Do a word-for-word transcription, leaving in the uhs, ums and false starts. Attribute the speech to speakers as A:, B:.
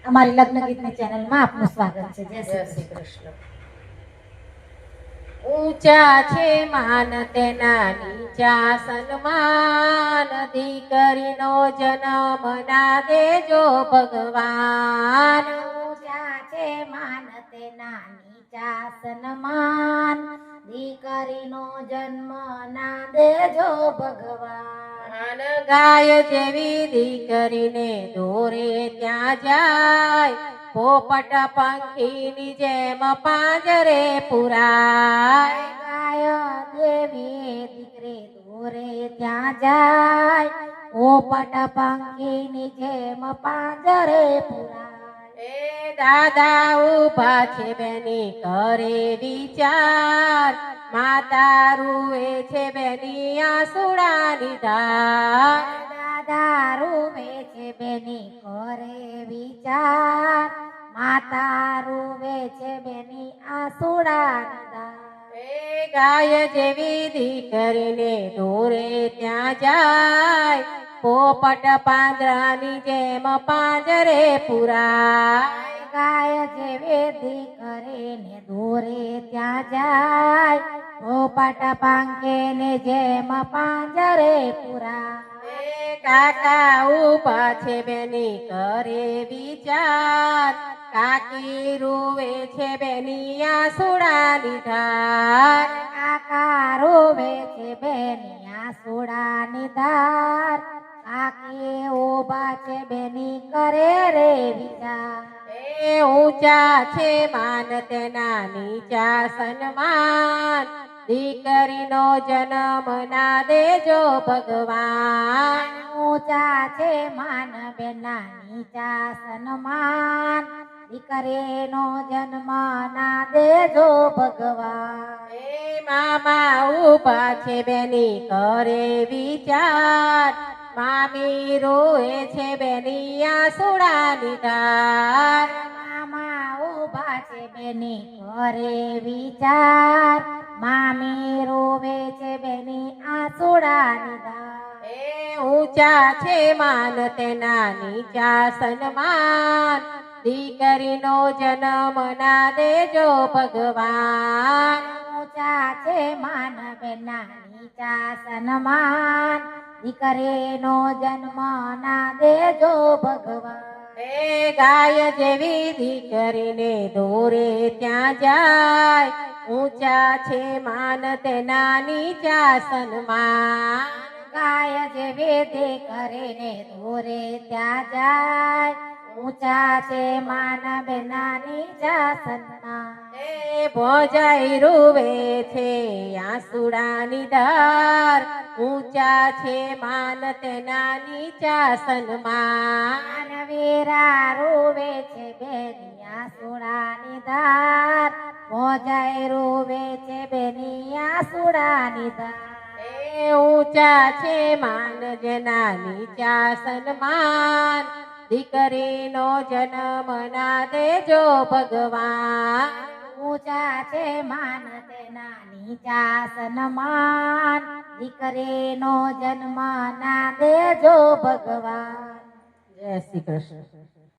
A: અમારી લગ્ન ગીતની ચેનલમાં આપનું સ્વાગત છે. જય શ્રી કૃષ્ણ.
B: ઊંચા છે માન તેના નીચા સન્માન, દીકરીનો જન્મ ના દેજો ભગવાન.
A: ઊંચા છે માન તેના નીચા સન્માન, દીકરીનો જન્મ ના દેજો ભગવાન.
B: ગાય જેવી દીકરીને દોરે ત્યાં જાય, પોપટ પંખીની જેમ પાંજરે પુરાય.
A: ગાય દેવી દીકરી દોરે ત્યાં જાય, પોપટ પંખીની જેમ પાંજરે પુરાય.
B: એ દાદા ઉભા છે બેની કરે વિચાર, માતા રૂએ છે બેની આસુડાની ધાર.
A: દાદા રૂવે છે બેની કરે વિચાર, માતા રૂવે છે બેની આસુડાની ધાર.
B: એ ગાય જેવી દીકરીને દોરે ત્યાં જાય, પોપટ પાંજરાની જેમ પાંજરે પુરાય.
A: ગાય જેવી દીકરીને દોરે ત્યાં જાય, પોપટ પાંખીને જેમ પાંજરે પુરાય.
B: એ કાકા ઉભા છે બેની કરે વિચાર, કાકી રૂવે છે બેની આસુડાની ધાર.
A: કાકા રોવે છે બેની આસુડાની ધાર, કાકી ઉભા છે બેની કરે રે વિચાર.
B: એ ઊંચા છે માન તેના નીચા સન્માન, દીકરીનો જન્મ ના દેજો ભગવાન.
A: ઊંચા છે માન બેના નીચા સન્માન, દીકરીનો જન્મ ના દેજો ભગવાન.
B: એ મામા ઉભા છે બેની કરે વિચાર, મામી રોએ છે બેની આસુડાની ધાર.
A: મામા ઉભા છે બેની કરે વિચાર, મામી રોવે છે બેની આસુડાની ધાર.
B: એ ઊંચા છે માન તેના નીચા સન્માન, દીકરીનો જન્મ ના દેજો ભગવાન.
A: ઊંચા છે માન બેના નીચા સન્માન, દીકરીનો જન્મ ના દેજો ભગવાન.
B: એ ગાય જેવી દીકરીને દોરે ત્યાં જાય, ઊંચા છે માન તેના નીચા સન્માન.
A: ગાય જેવી દીકરીને દોરે ત્યાં જાય, ઊંચા છે માન બેના નીચા સન્માન.
B: એ ભોજાઈ રૂવે છે આસુડાની ધાર, ઊંચા છે માન તેના નીચા સન્માન.
A: વીરા રૂવે છે બેની આસુડાની ધાર, ભોજાઈ રૂવે છે બેની આસુડાની ધાર.
B: એ ઊંચા છે માન જેના નીચા સન્માન, દીકરીનો જન્મ ના દેજો ભગવાન.
A: ઊંચા છે માન તેના નીચા સન્માન, દીકરીનો જન્મ ના દેજો ભગવાન.
B: જય શ્રી કૃષ્ણ.